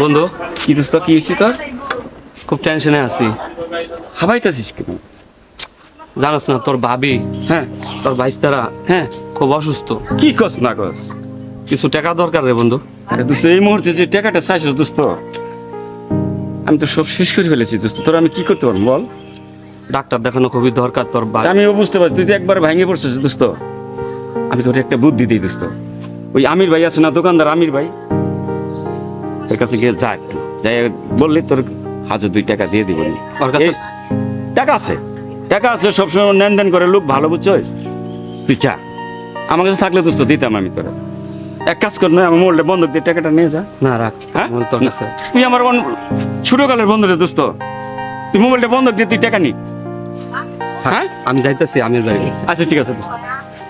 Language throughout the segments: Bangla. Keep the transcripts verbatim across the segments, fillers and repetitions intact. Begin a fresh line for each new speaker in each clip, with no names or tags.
বন্ধু
কি দোস্ত কি হয়েছি তোর?
খুব টেনশনে আছি।
হাবাইতেছিস কেন?
জানোস না তোর ভাবি,
হ্যাঁ
তোর ভাইস্তারা
হ্যাঁ,
খুব অসুস্থ।
কি কস না কস?
কিছু টাকা দরকার রে বন্ধু।
আরে দোস্ত এই মুহূর্তে যে টাকাটা চাইছিস দোস্ত, আমি তো সব শেষ করে ফেলেছি দোস্ত। তোর আমি কি করতে পারবো বল?
ডাক্তার দেখানো খুবই দরকার তোর ভাই।
আমিও বুঝতে পারছি তুই তো একবার ভেঙে পড়ছিস দোস্ত। আমি তোর একটা বুদ্ধি দিই দোস্ত। ওই আমির ভাই আছে না দোকানদার আমির ভাই, তোর কাছে গিয়ে যা একটু যাই বললি তোর হাজার দুই টাকা দিয়ে দিব।
ওর কাছে
এই, টাকা আছে টাকা আছে সবসময় নেন দেন করে লোক ভালো বুঝছস। তুই চা, আমার কাছে থাকলে দোস্ত দিতাম আমি তোরা। এক কাজ কর না, আমার মোবাইলটা বন্ধক দিয়ে টাকাটা নিয়ে যা।
না রাখ,
হ্যাঁ
আমার তোর কাছে।
তুই আমার অন- ছোটকালের বন্ধু রে দোস্ত, তুই মোবাইলটা বন্ধক দিয়ে তুই টাকা নি। হ্যাঁ
আমি যাইতেছি আমির বাড়ি গেছি।
আচ্ছা ঠিক আছে দোস্ত।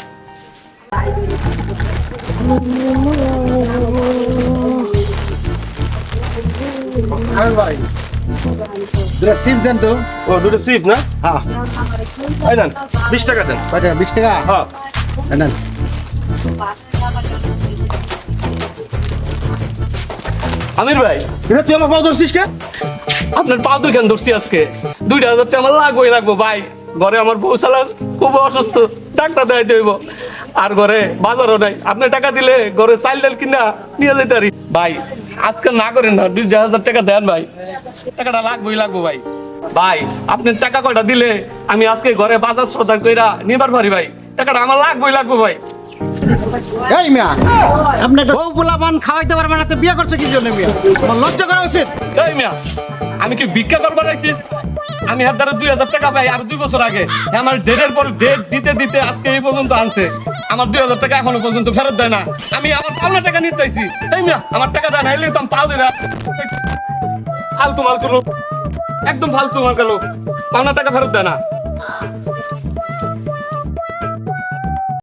দুটা সিম দেন তো।
ও দুটো সিপ না?
হ্যাঁ
এই নেন বিশ টাকা দেন।
কয়টা বিশ টাকা?
হ্যাঁ
এই নেন।
আমির ভাই,
এটা তুই আমার পাও ধরছিস কে?
আপনার পা দুইখান ধরছি আজকে। দুইটা হাজার টাকা আমার লাগবোই লাগবো ভাই। ঘরে আমার বউ চালান খুব অসুস্থ, ডাক্তার দেখাইতে হইব। আর ঘরে বাজারও নাই, আপনি টাকা দিলে ঘরে চাল ডাল কিনা নিয়ে যেতে পারি। ভাই আজকে না করেন না, দুই হাজার টাকা দেন ভাই, টাকাটা লাগবোই লাগবো ভাই। ভাই আপনি টাকা কয়টা দিলে আমি আজকে ঘরে বাজার সদার কইরা নিবার পারি ভাই। টাকাটা আমার লাগবোই লাগবো ভাই।
এই মিয়া, আপনি একটা বউ পোলাপান খাওয়াইতে পারবেন না তো বিয়ে করছে কি জন্য মিয়া? আমার লজ্জা করা উচিত।
এই মিয়া, আমি কি ভিক্ষা করবার আইছি? আমি হাত দ্বারা দুই হাজার টাকা পাই আর দুই বছর আগে। হ্যাঁ, আমার ডেটের পর ডেট দিতে দিতে আজকে এই পর্যন্ত আনছে। আমার দুই হাজার টাকা এখনো পর্যন্ত ফেরত দেয় না। আমি আমার পাওনা টাকা নিতে চাইছি। এই মিয়া, আমার টাকা দেয় না, এলে তো আমি পাও দিই না। ফালতু মাল করো, একদম ফালতু মাল করো, পাওনা টাকা ফেরত দেয় না।